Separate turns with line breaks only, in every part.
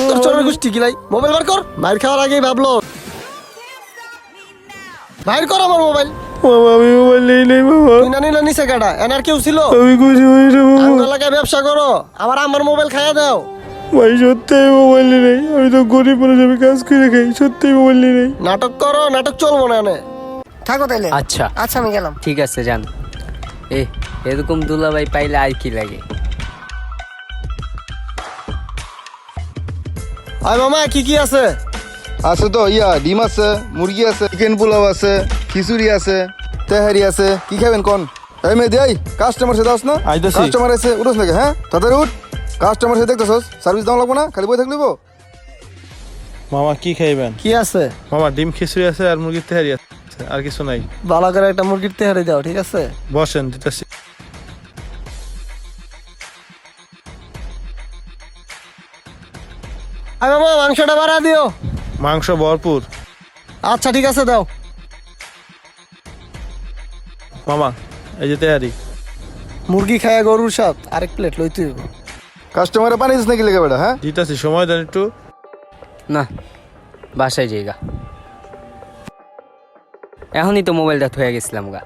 তোর চোরের গোষ্ঠী কিলাই মোবাইল বার কর। মাইর খাওয়ার আগেই ভাবলো। বাইর কর আমার মোবাইল।
মামা আমি মোবাইল নেই মামা।
তুই না নিলে নিচে কাটা এনার কেউ ছিল?
আমি খুশি হয়েছি মামা।
আমার এলাকায় ব্যবসা করো, আমার মোবাইল খাইয়া দাও।
ভাই সত্যি মোবাইল নেই, আমি তো গরিব মানুষ, আমি কাজ করে খাই, সত্যি মোবাইল নেই।
নাটক করো, নাটক চলবো না এনে। থাকো তাইলে।
আচ্ছা
আচ্ছা আমি গেলাম।
ঠিক আছে যান। এরকম দুলাভাই পাইলে আর কি লাগে।
আয় মামা কি কি আছে?
আছে তো ডিম আছে, মুরগি আছে, চিকেন পোলাও আছে, খিচুড়ি আছে, তেহারি আছে। কি খাবেন কোন? এই মেয়ে দেই কাস্টমার সাথে দাস না।
আইতাছি।
কাস্টমার আছে উঠোস নাকি? হ্যাঁ তাড়াতাড়ি উঠ। কাস্টমার সাথে দেখতেছস, সার্ভিস দাম লাগবো না, খালি বই থাকলিব।
মামা কি খাইবেন?
কি আছে?
মামা ডিম খিচুড়ি আছে আর মুরগির তেহারি আছে, আর কিছু নাই।
ভালো করে একটা মুরগির তেহারি দাও, ঠিক আছে?
বসেন দিতেছি।
আয় মামা মাংসটা বাড়া দিও।
মাংস ভরপুর।
আচ্ছা ঠিক আছে দাও।
মামা এই যে তেহারি।
মুরগি খায়া গরুর সাথ আরেক প্লেট লইতে হইব।
কাস্টমারে পানি দিস নাকি লেগে বেটা? হ্যাঁ
দিতেছি, সময় দেন একটু।
না বাসায় যাইগা, এখনই তো মোবাইলটা থয়ে গেছিলাম গা।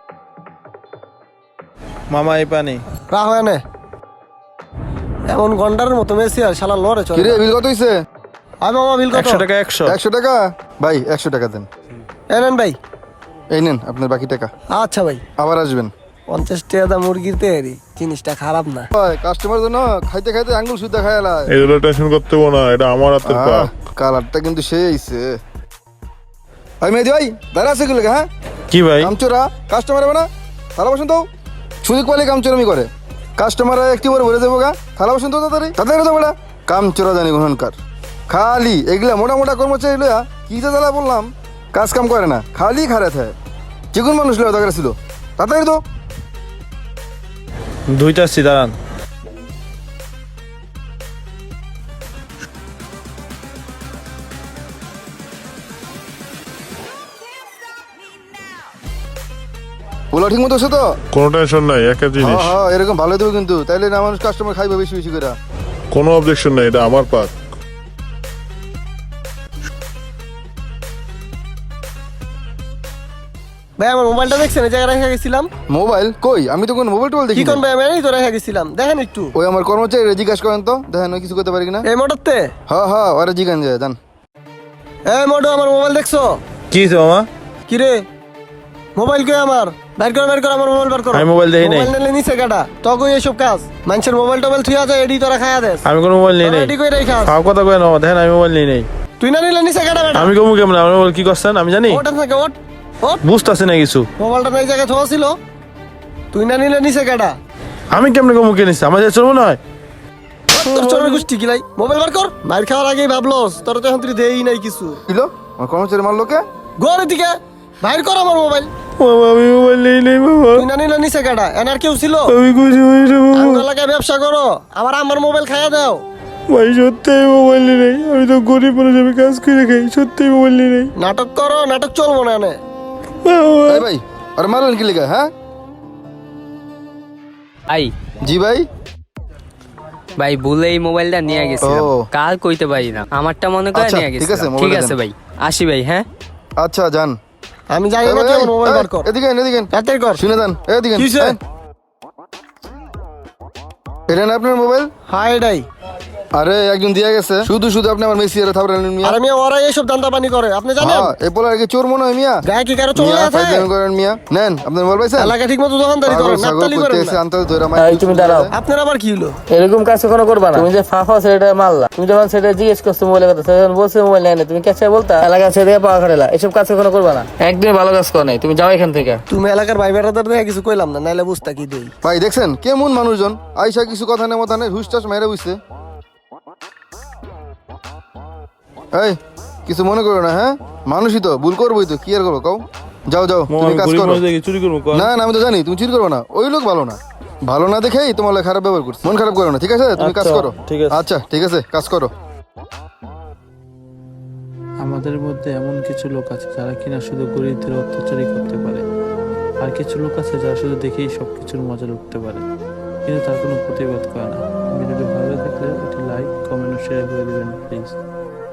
মামা এই পানি।
রাহ এনে। এমন গন্ডারের মতো মেসি আর শালা লড়ে চলে।
কিরে বিল কত হইছে?
আয় মামা বিল কত?
100 টাকা 100।
100 টাকা ভাই, 100 টাকা দেন।
এনেন ভাই।
এই নেন আপনার বাকি টাকা।
আচ্ছা ভাই।
আবার আসবেন।
50 টাকা দা মুরগির তেহারি, জিনিসটা খারাপ না।
ভাই কাস্টমার জন্য খাইতে খাইতে আঙ্গুল সুদ্ধা খায়ালায়।
এগুলো টেনশন করতে হবে না, এটা আমার হাতের কাজ।
কালারটা কিন্তু সেই আইছে। ভাই মেয়ে ভাই দাঁড়া আছে কি লাগে? হ্যাঁ
কি ভাই?
কামচোরা কাস্টমার হবে না? থালা বসুন তো। সুযোগ পাইলে কামচোরামি করে। কাস্টমার একটি করে ভরে দেবো গা। থালা বসুন তো তাড়াতাড়ি তাড়াতাড়ি তো বেড়া। কামচোরা জানি ঘনকার। খালি এগুলা মোটা মোটা কর্মচারী লইয়া কি যে জ্বালা বললাম, কাজ কাম করে না, খালি খারাপ হয়। চিকুন মানুষ লইয়া দরকার ছিল। তাড়াতাড়ি তো।
ধুইতাছি দাঁড়ান।
পোলা ঠিক মতো আছে তো?
কোনো টেনশন নাই, একটা জিনিস,
হ্যাঁ এরকম ভালো দেবো কিন্তু, তাইলে না মানুষ কাস্টমার খাইবে বেশি বেশি করে।
কোনো অবজেকশন নাই, এটা আমার পাক।
ভাই আমার মোবাইলটা দেখছেন এই জায়গায় রেখে গেছিলাম।
মোবাইল কই? আমি তো কোনো মোবাইল টোবাইল
কি
দেখি
কোন
না।
ভাই আমি এই তো রেখে গেছিলাম, দেখেন একটু।
ওই আমার কর্মচারী জিজ্ঞাসা করেন তো, দেখেন ওই কিছু করতে পারি কিনা।
এই মোটরতে।
হ্যাঁ ওরা জিজ্ঞান যায় জান।
এই মোটর আমার মোবাইল দেখছো?
কি হইছে মামা?
কি রে মোবাইল কই আমার? বের কর আমার মোবাইল বের করো।
আমি মোবাইল দেখি নাই।
মোবাইল নিলে নিচে কাটা। তখন এইসব কাজ মানুষের মোবাইল টোবাইল থুয়া যায়, এডি তোরা খায়া দেস।
আমি কোনো মোবাইল নেই নাই।
এডি কই রাখাস?
খাও কথা কই না মামা, দেখেন আমি মোবাইল নেই নাই।
তুই না নিলে নিচে কাটা বেটা।
আমি কমু কেমন? আমার মোবাইল কি করছেন আমি জানি?
ওটা থেকে ওট ওট।
বুঝতাছি না কিছু।
মোবাইলটা এই জায়গায় থোয়া ছিল, তুই না নিলে নিচে কাটা।
আমি কেমনে কমু কে নিছি? আমার যে চলবো না।
তোর চোরের গোষ্ঠী কিলাই মোবাইল বের কর। মাইর খাওয়ার আগেই ভাবলোস, তোর তো এখন তুই দেই নাই কিছু।
কিলো আমার কর্মচারী মারলো কে?
গোর দিকে বাইর কর আমার মোবাইল।
মামা আমি মোবাইল নেই নাই মামা।
তুই না নিলে নিচে কাটা। এনার কেউ ছিল?
আমি খুশি হয়েছি মামা।
আমার এলাকায় ব্যবসা করো, আমার মোবাইল খাইয়া দাও।
ভাই সত্যি মোবাইল নেই, আমি তো গরিব মানুষ, আমি কাজ করে খাই, সত্যি মোবাইল নেই।
নাটক করো, নাটক চলবো না এনে।
ভাই ভাই আর মারলেন কি লেগে? হ্যাঁ
ভাই
জি ভাই।
ভাই ভুলে এই মোবাইলটা নিয়ে গেছিলাম,
ও।
কাল কইতে পারি না, আমারটা মনে করে
আচ্ছা,
নিয়ে
ঠিক আছে,
গেছিলাম। ঠিক
মোবাইলটা
আছে
দেন।
ভাই, আসি ভাই। হ্যাঁ
আচ্ছা যান।
আমি জানি না তুই আমার মোবাইল বের কর।
এদিকে এদিকে
তাড়াতাড়ি কর।
শুনে দেন এদিকে।
কিসে?
এটা না আপনার মোবাইল?
হাই এটাই।
আরে একজন দিয়ে গেছে, শুধু শুধু আপনি আমার মেসি আর থাবরালেন মিয়া।
আর আমি ওরা এইসব দান্দা পানি করে, আপনি জানেন?
হ্যাঁ এই পোলার কি চোর মনে হয় মিয়া?
গায়ে কি কারো চলে
মিয়া
আছে?
ফাইজলামি করেন মিয়া। নেন আপনার মোবাইল পাইছেন?
এলাকা ঠিক মতো দোকানদারি
পাগল
করেন,
ছাগল
নাপতালি করেন
করতেছে
না।
আন্তর ধরে
এই তুমি দাঁড়াও।
আপনার আবার কি হলো?
এরকম কাজ কখনো করবা না। তুমি যে ফাফা সেটা মারলা, তুমি যখন সেটা জিজ্ঞেস করছো মোবাইলের কথা, সে যখন বলছে মোবাইল নেই না, তুমি কাছে বলতা এলাকা ছেড়ে দিয়ে পাওয়া খাটেলা। এসব কাজ কখনো করবা না, একদিন ভালো কাজ কর নাই। তুমি যাও এখান থেকে।
তুমি এলাকার ভাই বেড়াদার দেখে কিছু কইলাম না, নাইলে বুঝতা কি দেই।
ভাই দেখছেন কেমন মানুষজন আইসা কিছু কথা নেই মতা নেই হুসটাস মেরে বুঝছে। এই কিছু মনে করো না, হ্যাঁ মানুষই তো ভুল করবোই তো, কি আর করবো কও। যাও যাও
মামা
তুমি
আমি
কাজ
গরিব
করো।
মানুষ দেখি চুরি করবো কর।
না না আমি তো জানি তুমি চুরি করবে না, ওই লোক ভালো না, ভালো না দেখেই তোমার লাগে খারাপ ব্যবহার করছে। মন খারাপ করো না, ঠিক আছে? তুমি কাজ
আচ্ছা,
করো।
ঠিক আছে।
আচ্ছা ঠিক আছে কাজ করো।
আমাদের মধ্যে এমন কিছু লোক আছে যারা কিনা শুধু গরিবদের অত্যাচারই করতে পারে, আর কিছু লোক আছে যারা শুধু দেখেই সবকিছুর মজা লুটতে পারে, কিন্তু তার কোনো প্রতিবাদ করে না। ভিডিওটি ভালো লাগলে থাকলে এটি লাইক কমেন্ট ও শেয়ার করে দিবেন প্লিজ।